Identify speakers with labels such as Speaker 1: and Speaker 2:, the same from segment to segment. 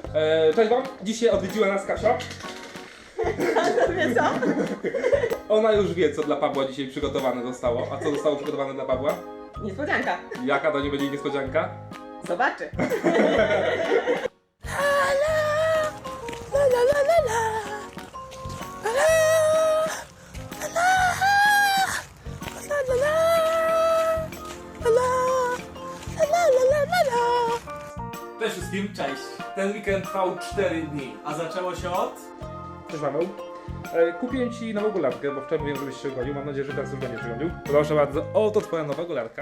Speaker 1: Cześć wam, dzisiaj odwiedziła nas Kasia.
Speaker 2: Wie co?
Speaker 1: Ona już wie, co dla Pawła dzisiaj przygotowane zostało. A co zostało przygotowane dla Pawła?
Speaker 2: Niespodzianka.
Speaker 1: Jaka to nie będzie niespodzianka?
Speaker 2: Zobaczy.
Speaker 1: Cześć wszystkim.
Speaker 3: Cześć.
Speaker 1: Ten weekend trwał 4 dni.
Speaker 3: A zaczęło się od?
Speaker 1: Cześć Paweł. Kupiłem ci nową golarkę, bo wczoraj mówiłem, żebyś się godził. Mam nadzieję, że teraz już będziesz godził. Proszę bardzo, oto twoja nowa golarka.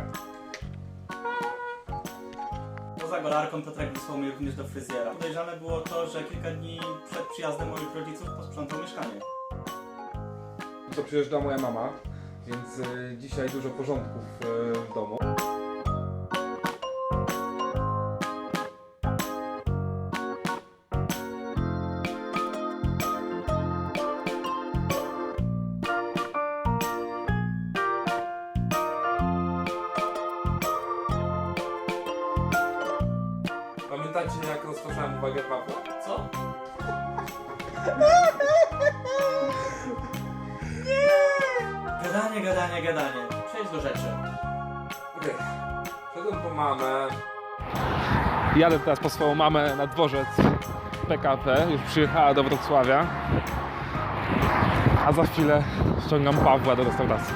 Speaker 3: Poza golarką Piotrek wysłał mnie również do fryzjera. Podejrzane było to, że kilka dni przed przyjazdem moich rodziców posprzątał mieszkanie.
Speaker 1: To przyjeżdża moja mama, więc dzisiaj dużo porządków w domu. Pamiętacie, jak rozpoczynałem uwagę Pawła?
Speaker 3: Co? Gadanie. Przejdź do rzeczy.
Speaker 1: Okej. Szedłem po mamę. Jadę teraz po swoją mamę na dworzec PKP. Już przyjechała do Wrocławia. A za chwilę ściągam Pawła do restauracji.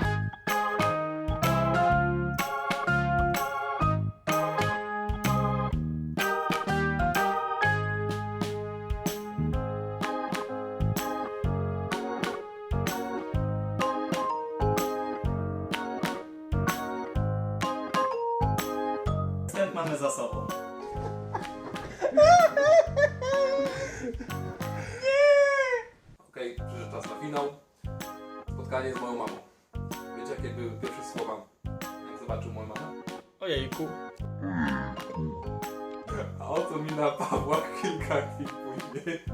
Speaker 3: Wstęp mamy za sobą.
Speaker 1: Okej, przyszedł czas na finał. Spotkanie z moją mamą. Wiecie, jakie były pierwsze słowa, jak zobaczył moją mamę?
Speaker 3: Ojejku.
Speaker 1: A oto mina Pawła kilka chwil później.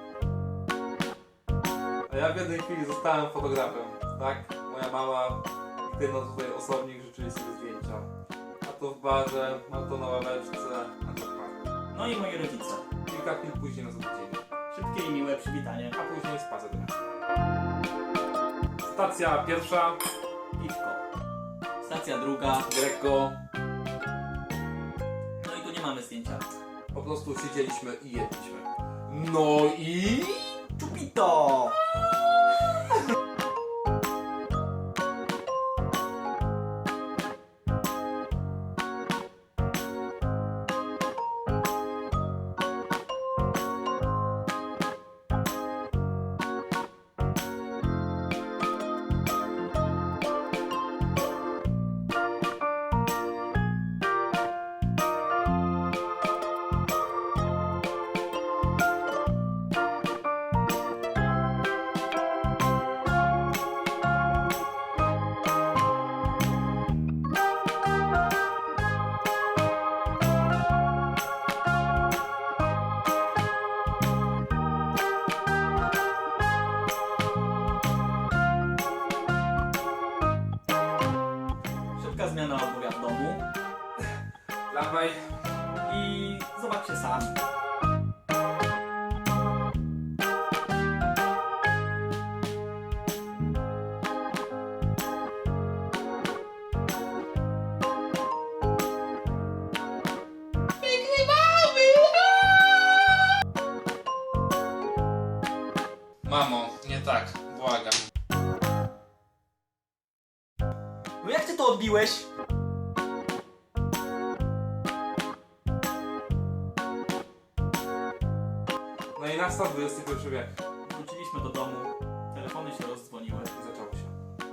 Speaker 1: A ja w jednej chwili zostałem fotografem, tak? Moja mama i ty tutaj osobnik życzyli sobie zdjęcia. A to w barze, a to na ławeczce, a to w parku.
Speaker 3: No i moi rodzice.
Speaker 1: Kilka chwil później nas obudzili,
Speaker 3: Szybkie i miłe przywitanie.
Speaker 1: a później spacer do miasta. Stacja pierwsza,
Speaker 3: Piwko. Stacja druga.
Speaker 1: Greco.
Speaker 3: No i tu nie mamy zdjęcia.
Speaker 1: Po prostu siedzieliśmy i jedliśmy. No i...
Speaker 3: Czupito! Szybka zmiana obuwia w domu.
Speaker 1: Dawaj.
Speaker 3: I zobaczcie sami.
Speaker 1: Mamo, nie tak, błagam.
Speaker 3: No jak ty to odbiłeś?
Speaker 1: No i nastał XXI wiek
Speaker 3: Wróciliśmy do domu. Telefony się rozdzwoniły.
Speaker 1: i zaczęło się.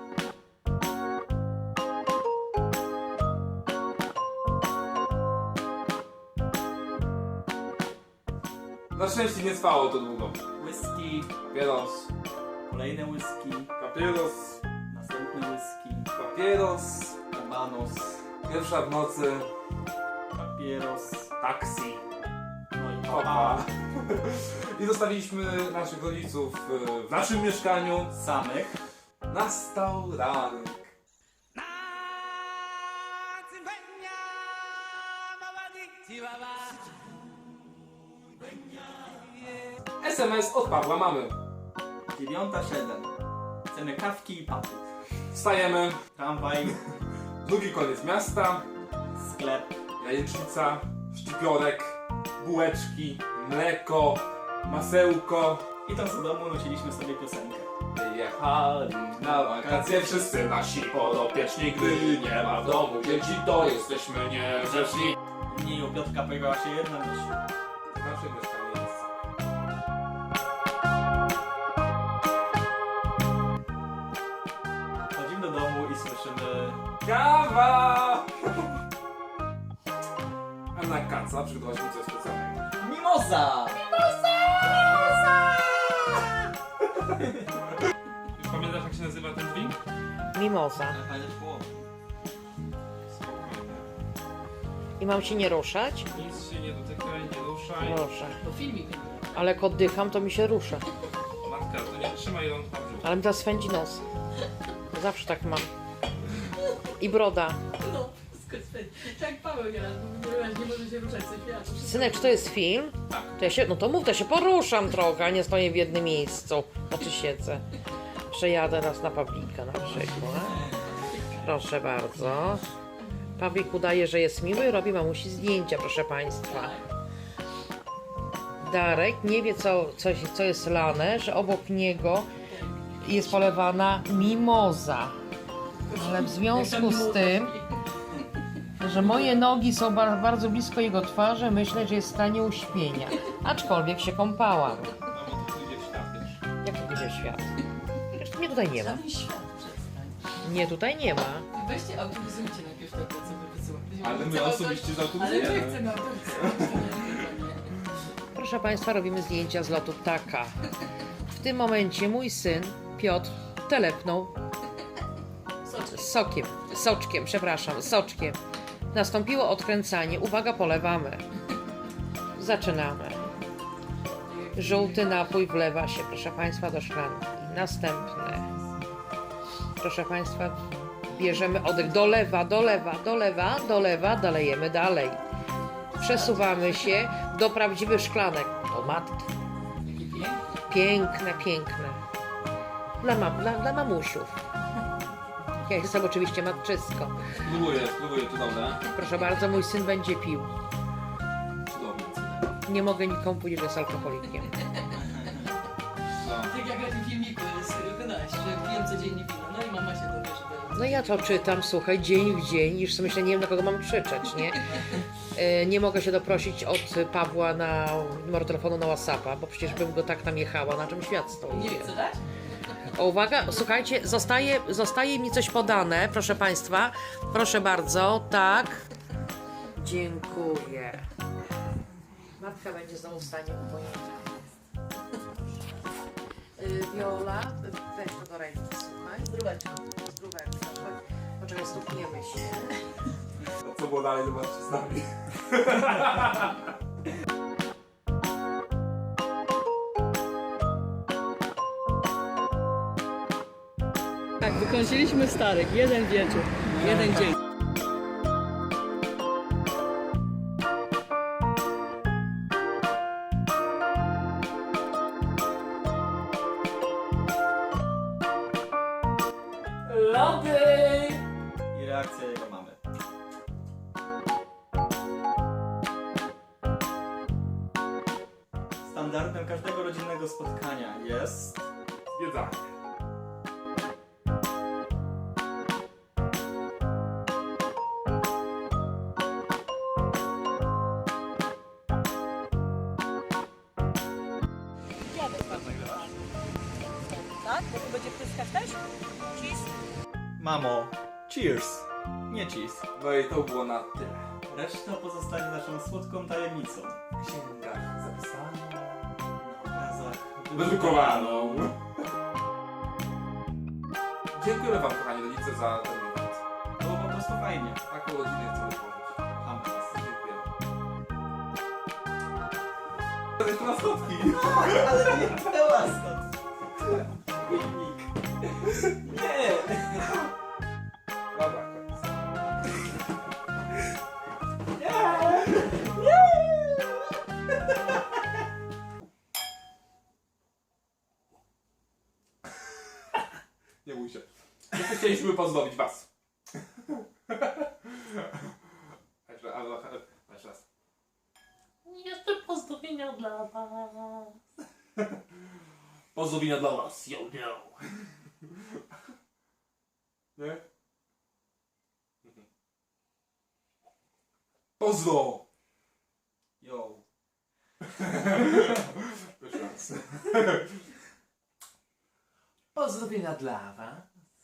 Speaker 1: Na szczęście nie trwało to długo.
Speaker 3: Whisky,
Speaker 1: Papieros,
Speaker 3: kolejne whisky,
Speaker 1: papieros,
Speaker 3: następne whisky,
Speaker 1: papieros,
Speaker 3: kabanos,
Speaker 1: pierwsza w nocy,
Speaker 3: papieros,
Speaker 1: taksi,
Speaker 3: no i
Speaker 1: opa.
Speaker 3: papa.
Speaker 1: I zostawiliśmy naszych rodziców w naszym mieszkaniu.
Speaker 3: Samych.
Speaker 1: Nastał ranek. SMS od Pawła mamy.
Speaker 3: 9:07. Chcemy kawki i paty.
Speaker 1: Wstajemy,
Speaker 3: Tramwaj,
Speaker 1: drugi koniec miasta,
Speaker 3: sklep.
Speaker 1: jajecznica, szczypiorek, bułeczki, mleko, masełko.
Speaker 3: Idąc do domu nuciliśmy sobie piosenkę.
Speaker 1: Wyjechali na wakacje wszyscy nasi podopieczni. Gdy nie ma w domu dzieci, to jesteśmy niegrzeczni.
Speaker 3: W imieniu Piotrka pojawiła się jedna myśl.
Speaker 1: Nasze mieszkanie jest.
Speaker 3: Chodzimy do domu i słyszymy...
Speaker 1: Kawa! A na kaca przygotowaliśmy coś specjalnego.
Speaker 3: Mimoza!
Speaker 1: Już pamiętasz, jak się nazywa ten drink?
Speaker 4: Mimoza. I mam się nie ruszać?
Speaker 1: Nic się nie dotykaj, nie ruszaj.
Speaker 4: Proszę.
Speaker 2: To filmik.
Speaker 4: Ale jak oddycham, to mi się rusza.
Speaker 1: Matka, to nie trzymaj ją w brzuchu.
Speaker 4: Ale mi teraz swędzi nos. Zawsze tak mam. I broda.
Speaker 2: No, tak jak Paweł nieraz mówi, nie może się ruszać ze świata.
Speaker 4: Synek, czy to jest film?
Speaker 1: Tak.
Speaker 4: To ja się, no to mów, to ja się poruszam trochę, a nie stoję w jednym miejscu. Znaczy siedzę. Przejadę raz na Pawlika na przykład. Proszę bardzo. Pawlik udaje, że jest miły i robi mamusi zdjęcia, proszę Państwa. Darek nie wie, co jest lane, że obok niego jest polewana mimoza. Ale w związku z tym, że moje nogi są bardzo blisko jego twarzy, myślę, że jest w stanie uśpienia. Aczkolwiek się kąpałam.
Speaker 1: Mamo, to pójdzie w świat, wiesz.
Speaker 4: Jak to będzie świat? Przecież mnie tutaj nie ma.
Speaker 2: Żaden świat przestań.
Speaker 4: Nie, tutaj nie ma.
Speaker 2: Weźcie autobusujcie najpierw to, co wy wysyłacie.
Speaker 1: Ale my osobiście
Speaker 2: Ale my
Speaker 1: zautobusujemy.
Speaker 2: chcemy autobusować.
Speaker 4: Proszę Państwa, robimy zdjęcia z lotu ptaka. W tym momencie mój syn, Piotr, telepnął soczkiem. Nastąpiło odkręcanie. Uwaga, polewamy. Zaczynamy. Żółty napój wlewa się, proszę Państwa, do szklanki. Następny. Proszę Państwa, bierzemy oddech. Dolewa, dolejemy dalej. Przesuwamy się do prawdziwych szklanek. O matki. Piękne. Dla mamusiów. Ja jestem oczywiście matczysko.
Speaker 1: Spróbuję, to dobre.
Speaker 4: Proszę bardzo, mój syn będzie pił.
Speaker 1: Cudownie.
Speaker 4: Nie mogę nikomu powiedzieć, że jest alkoholikiem.
Speaker 1: No.
Speaker 2: Tak jak na tym filmiku z wykonałeś, że pijem codziennie piwo, no i mama się dowie, że...
Speaker 4: No ja to czytam, słuchaj, dzień w dzień, już sobie myślę, nie wiem, na kogo mam krzyczeć, nie? Nie mogę się doprosić od Pawła na numer telefonu na WhatsAppa, bo przecież bym go tak tam jechała, na czym świat stoi.
Speaker 2: Nie wiem, co dać?
Speaker 4: O, uwaga, słuchajcie, zostaje mi coś podane, proszę Państwa. Proszę bardzo, tak. Dziękuję. Matka będzie znowu w stanie upojenia. Wiola, weź to do ręki, słuchaj.
Speaker 2: Zdróweczko.
Speaker 4: Zdróweczka. Poczekaj, stukniemy się.
Speaker 1: A co było dalej, zobaczcie z nami.
Speaker 2: Tak, wykończyliśmy starych. Jeden wieczór, jeden dzień. Lody!
Speaker 3: I reakcja jego mamy. Standardem każdego rodzinnego spotkania jest...
Speaker 1: Zwiedzanie.
Speaker 2: Tak? Bo tu będzie pryskać też? Cheese?
Speaker 3: Mamo, cheers! Nie cheese.
Speaker 1: No i to było na tyle.
Speaker 3: Reszta pozostanie naszą słodką tajemnicą.
Speaker 1: W księgach zapisaną.
Speaker 3: Na obrazach
Speaker 1: Wydrukowaną. Dziękujemy Wam, kochani rodzice, za ten moment.
Speaker 3: Było po prostu fajnie.
Speaker 1: Taką rodzinę chcemy tworzyć.
Speaker 3: Kochamy was.
Speaker 1: Dziękujemy. To jest na schodki.
Speaker 3: Ale nie była stąd. Filmik. Nie!
Speaker 1: Dobra, koniec. Nie bój się. Jeszcze chcieliśmy pozdrowić was. Jeszcze raz.
Speaker 2: Jeszcze pozdrowienia dla was.
Speaker 1: Pozdrowienia dla was. Yo, yo. Nie? Pozdro!
Speaker 3: Yo.
Speaker 1: Jeszcze raz.
Speaker 5: Pozdrowienia dla was.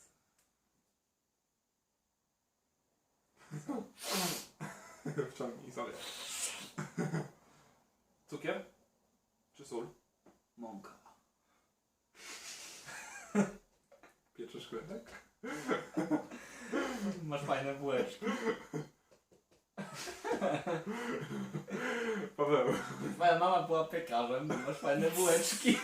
Speaker 1: Wciągnij sobie. Cukier? Czy sól?
Speaker 5: Mąka.
Speaker 1: Pieczysz chlebek?
Speaker 3: Masz fajne bułeczki.
Speaker 1: Paweł.
Speaker 3: Twoja mama była piekarzem, masz fajne bułeczki.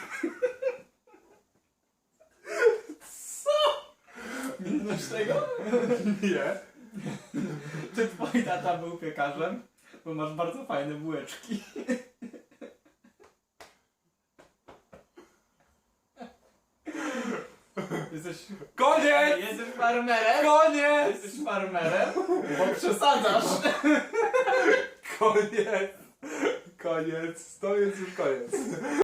Speaker 3: Nie znasz tego?
Speaker 1: Nie.
Speaker 3: Czy twój tata był piekarzem? Bo masz bardzo fajne bułeczki. Jesteś...
Speaker 1: Koniec!
Speaker 3: Jesteś farmerem?
Speaker 1: Koniec!
Speaker 3: Jesteś farmerem? Bo przesadzasz.
Speaker 1: Koniec! Koniec! To jest już koniec.